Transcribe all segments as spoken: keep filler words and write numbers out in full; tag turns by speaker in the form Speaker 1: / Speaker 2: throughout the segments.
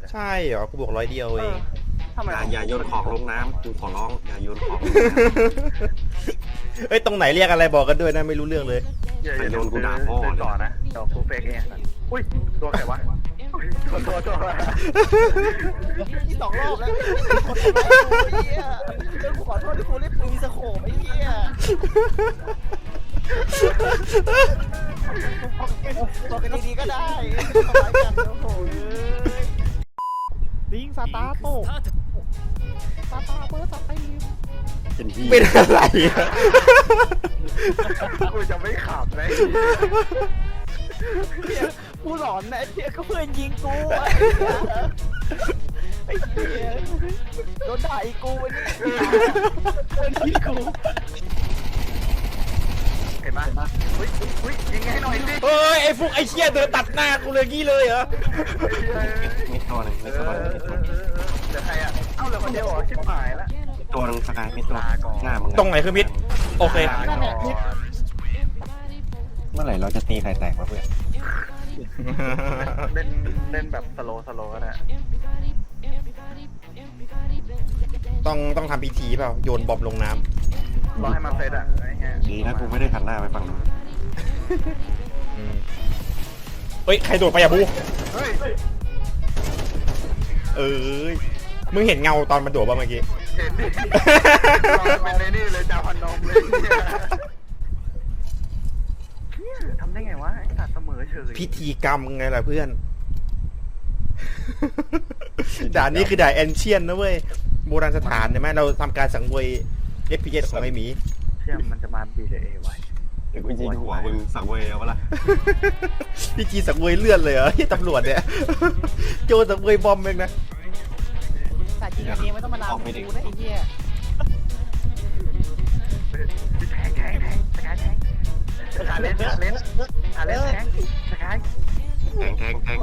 Speaker 1: ใช่เหรอกูบอกร้อยเดียวเอง
Speaker 2: ทำไม
Speaker 3: อย่าอย่าโยนของลงน้ำกูขอร้องอย่าโยนของ
Speaker 1: เอ้ยตรงไหนเรียกอะไรบอกกันด้วยนะไม่รู้เรื่องเลย
Speaker 2: อย่าอย่าโดนกูด่าพ่อต่อนะเดี๋ยวกูเฟกเองอุ้ยตัวใครวะตัวตัวตัวที่สองรอบแล้วคนทำร้ายกูไอ้เหี้ยเรื่องกูขอโทษที่กูเล่นปืนสโคปไอ้เหี้ยบอกกันดีๆก็ได้ทำร้ายกันโอ้โหลิงซาตาโตซาตาเบอร์สตีม
Speaker 3: เป็นที่
Speaker 1: เป็นอะไรอะ
Speaker 2: กูจะไม่ขับเลยกูหลอนนะไอ้เหี้ยก็เพื่อนยิงกูไอ้เหี้ยโดนด่าอีกูวันนี้เพื่อนยิงกูเห็นไหมเฮ้ยเฮ้ยยิงให้หน่อยสิ
Speaker 1: เฮ้ยไอ้ฟุกไอ้เชี่ยเดินตัดหน้ากูเลยงี้เลยเหรอ
Speaker 3: มีตัวหนึ่งมีตัวหนึ่งมีตัวหนึ่ง
Speaker 2: เดี๋ยวใครอ่ะเอ้าเหลือคนเดียวเหรอชิบหายแล้ว
Speaker 3: ตัวหนึ่งสกายมีตัวหน้ามึง
Speaker 1: ตรงไหนคือมิดโอเค
Speaker 3: เมื่อไหร่เราจะตีไข่แตกวะเพื่อน
Speaker 2: เล่นเล่นแบบสโลสโลก็ได้
Speaker 1: ต้องต้องทำพิธีเปล่าโยนบอมลงน้
Speaker 2: รอให้มันเซตอ่ะไอ้เงี้ย
Speaker 3: ดีนะกูไม่ได้หันหน้าไปฝั่งนู้น
Speaker 1: ำอืมเฮ้ยใครโดดไปอะบู
Speaker 2: เฮ้ย
Speaker 1: เอ้ยมึงเห็นเงาตอนมันโดดป่ะเมื่อกี้
Speaker 2: เห็นดิรอเป็นเลยนี่เลยจาพันนมเลยทำได้ไงวะไอ้สัตว์เสมอเฉย
Speaker 1: พิธีกรรมไงล่ะเพื่อน ด่านนี้คือด่านแอนเชียนนะเว้ยโบราณสถานใช่ไหมเราทำการสังเวย เอฟ พี เอส ของไอหมี
Speaker 2: เชื่อมันจะมาบีเดเอไว้
Speaker 3: เดี๋ยวกูยิงหัวมึงสังเวยเอาวะล่ะ
Speaker 1: พี่จีสังเวยเลือดเลยเหรอที่ตำรวจเนี่ย โจสังเวยบอมเองนะ
Speaker 4: แต่จริงๆเองไม่ต้องมาลามกูนะไอ้เหี้ย
Speaker 2: แทงแทงแทงสกายแทงสกายเล่นสกายเล่นสกายเล่นแทงสกาย
Speaker 3: แทงแทงแทง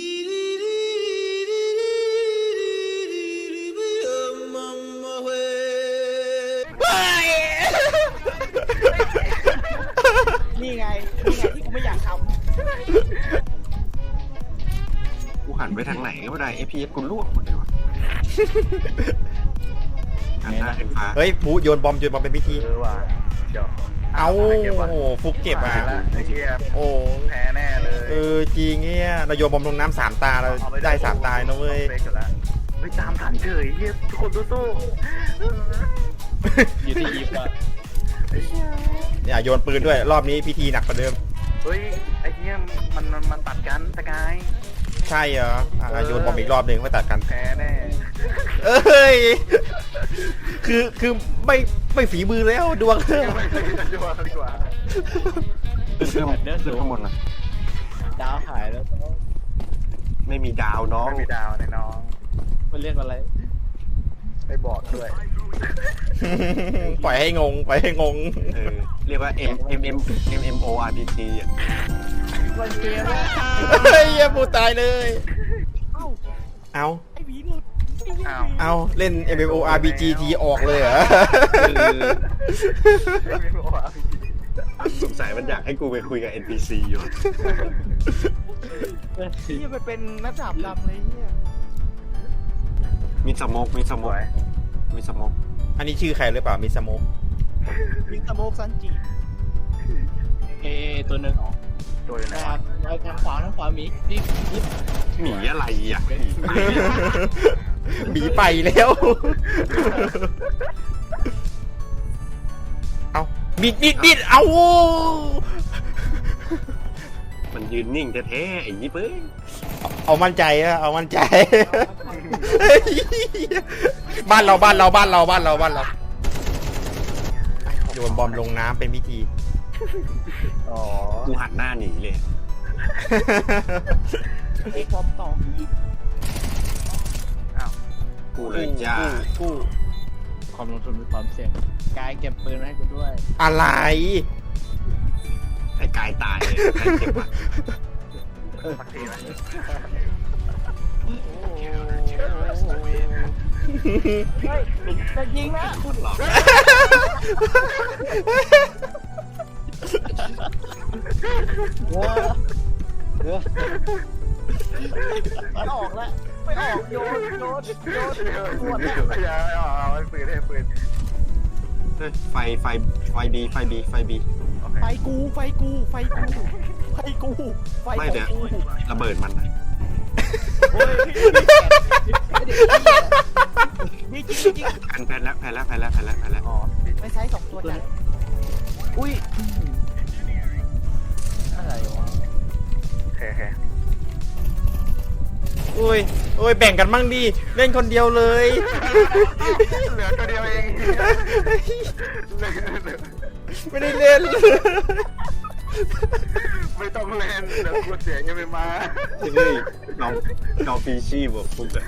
Speaker 4: นี่ไงนี่ไงที่กูไม่อยากท
Speaker 3: กูหันไปทางไหนก็ไม่ได้เอพีเอสกูลวกหมดเลยวะหันหน้าขึ้นฟ้า
Speaker 1: เฮ้ยผูโยนบอมโยนบอมเป็นพิธี
Speaker 2: เออว่ะเดี๋ยว
Speaker 1: เอาโอ้โหฟุกเก็บอ่ะ
Speaker 2: ไอ้เหี้ย
Speaker 1: โอ้
Speaker 2: แพ้แน่เลย
Speaker 1: เออจริงเนี่ยเราโยนบอมลงน้ำสามตาเราได้สามตานะเว้ย
Speaker 2: เฮ้ยตามทันเฉยเฮียทุกคนสู้
Speaker 4: ำอยู่ที่ยิปอะ
Speaker 1: เนี่ยโยนปืนด้วยรอบนี้พิธีหนักกว่าเดิม
Speaker 2: ๆเฮ้ยไอ้เฮียมันมันมันตัดกันสกาย
Speaker 1: ใช่เหรออ่ะโยนบอมอีกรอบหนึ่งไม่ตัดกัน
Speaker 2: แพ้แน่
Speaker 1: เอ้ยคือคือไม่ไม่ฝีมือแล้วดวง
Speaker 2: ไม่ใช่ดีกว่าดีกว่า
Speaker 3: ขึ้นขึ้นขึ้นข้างบนนะ
Speaker 4: ดาวหายแล้ว
Speaker 3: ไม่มีดาวน้อง
Speaker 2: ไม่มีดาวในน้อง
Speaker 4: มันเรียกอะไร
Speaker 2: ไปบอกด้วย
Speaker 1: ปล่อยให้งงปล่อยให้งง
Speaker 3: เออเรียกว่า M M M M M O R P G อ่ะ
Speaker 4: มันเกมว่า
Speaker 1: เฮ้ยอย่าพูดตายเลย
Speaker 4: เอ้า
Speaker 1: เอา
Speaker 4: ไอ้หวีหลุด
Speaker 2: อ้าว
Speaker 1: เอาเล่น เอ็ม เอ็ม โอ อาร์ พี จี ทีออกเลยเหรอ
Speaker 2: ไม่บอกว่า
Speaker 3: สงสัยมันอยากให้กูไปคุยกับ เอ็น พี ซี อยู่
Speaker 4: เหี้ยไปเป็นนักดาบดำเลยเหี้ย
Speaker 3: มีสโมกมีส
Speaker 2: ส
Speaker 3: โม
Speaker 2: ว
Speaker 3: ก
Speaker 2: ย
Speaker 3: มีสโมก
Speaker 1: อันนี้ชื่อใครหรือเปล่ามีสโมก
Speaker 4: วิงสโมกซันจิเอตัวหนึ่ง
Speaker 2: ตัวอยู่ไหน
Speaker 4: ทางทางขวาทางขวามีนี่นี่
Speaker 3: หมีอะไรอ่ะ
Speaker 1: บีไปแล้ว เอาบิดบิดบิดเอา
Speaker 3: มันยืนนิ่งแท้ๆไอ้ยี่เป้ย
Speaker 1: เอามั่นใจนะเอามั่นใจ บ้านเราบ้านเราบ้านเราบ้านเราบ้านเราโยนบอมลงน้ำเป็นพิธี
Speaker 2: อ๋อ
Speaker 3: กูหันหน้าหนีเลย
Speaker 4: ไอ้พร้อมต่อ
Speaker 2: อ้าว
Speaker 3: กูเลยจ้า
Speaker 1: กู้
Speaker 4: ความลงทุนมีความเสี่ยงกายเก็บปืนมาให้กูด้วย
Speaker 1: อะไร
Speaker 3: ไอ้กายตายเลยใครเก็บวะ
Speaker 2: สักทีไหม
Speaker 4: เฮ้ยจะยิงนะ
Speaker 3: พูดหรอ
Speaker 4: ไม่ออกแล้วไม่ออก
Speaker 2: บอกโยนโยนโยนปวดแล้ว
Speaker 5: อย่าเอาเอาปืนให้ปืน
Speaker 3: เฮ้ยไฟไฟไฟบีไฟบีไฟบี
Speaker 5: โอเค
Speaker 4: ไฟกูไฟกูไฟกูไฟกูไฟ
Speaker 3: ไม่เดี๋ยว
Speaker 4: กู
Speaker 3: ระเบิดมันนะ
Speaker 4: โอ้ยพี่เด็กนี่จริงจริง
Speaker 3: แผ่นแผ่นแล้วแผ่นแล้วแผ่นแล้วแผ่นแล้วแผ่นแล้ว
Speaker 5: อ๋อ
Speaker 4: ไม่ใช้สองตัวจ้ะอุ้ยอะไรวะ
Speaker 5: โอเคโอเค
Speaker 1: โอ้ยโอ้ยแบ่งกันมั่งดิเล่นคนเดียวเลย
Speaker 5: เหลือตัวเดียวเอง
Speaker 1: ไม่ได้เล่น
Speaker 5: ไม่ต้องเล่นเดี๋ยวกูเสียงยังไม่มา
Speaker 3: เฮ้ยน้องน้องปีชีพบอกฟุกอะ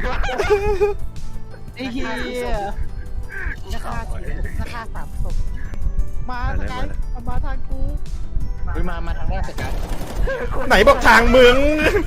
Speaker 4: ไอ้เหี้ยราคาสี่ราคาสามศพมาสกายมาทางกูวิมามาทางแรกสกาย
Speaker 1: ไหนบอกทางมึง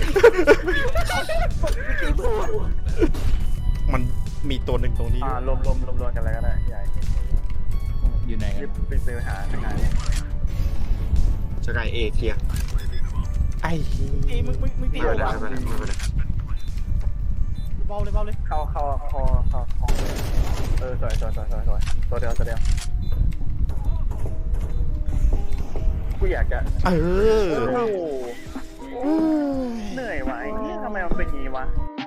Speaker 1: มันมีตัวหนึ่งตรงนี้
Speaker 5: อ่ารวมรวมรวมรวมกันอะไรก็ได้ใหญ่
Speaker 4: อยู่ไหน
Speaker 5: รีบไปซื้อหาทางาน
Speaker 3: สกายเอเคลียร์
Speaker 1: ไอ้
Speaker 4: ตีมึงมึงมึงตี
Speaker 3: ไม่
Speaker 4: กู
Speaker 3: เป็นไร
Speaker 4: วะ
Speaker 3: ไม่เป็นไรไม่เป็นไร
Speaker 4: เบาเลยเบาเลย
Speaker 5: เข้าเข้าเข้าเข้าเข้าเออสวยสวยสวยสวยสวยตัวเดียวตัวเดียวกูอยากจะ
Speaker 1: เออ
Speaker 5: โอ้โหเหนื่อยว่ะไอ้เนี่ยทำไมมันเป็นอย่างนี้วะ